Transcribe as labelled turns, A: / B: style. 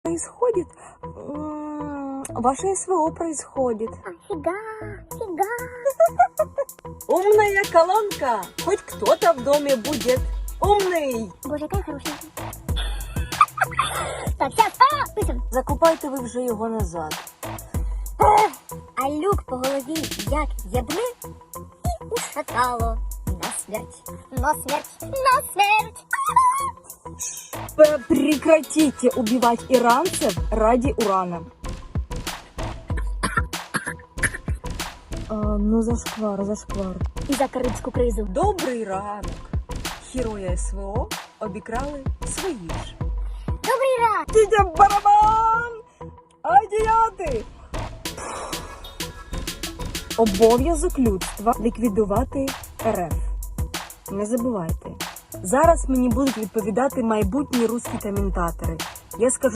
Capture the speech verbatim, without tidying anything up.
A: происходит? М, Ваше СВО происходит.
B: Фига, фига.
A: Умная колонка! Хоть кто-то в доме будет умный!
B: Боже, какая хорошая. Так, сейчас, а, пишем.
A: Закупайте ви вже його назад.
B: А люк по голові як єбне і ушатало на смерть, на смерть, на смерть.
A: П- Прекратите убивать иранцев ради урана. А, ну зашквар, зашквар.
B: І за карибську кризу.
A: Добрий ранок. Герої СВО обікрали свої ж.
B: Добрий ранок.
A: Дідя барабан! Адіяти! Обов'язок людства ліквідувати РФ. Не забувайте. Зараз мені будуть відповідати майбутні русські коментатори. Я скажу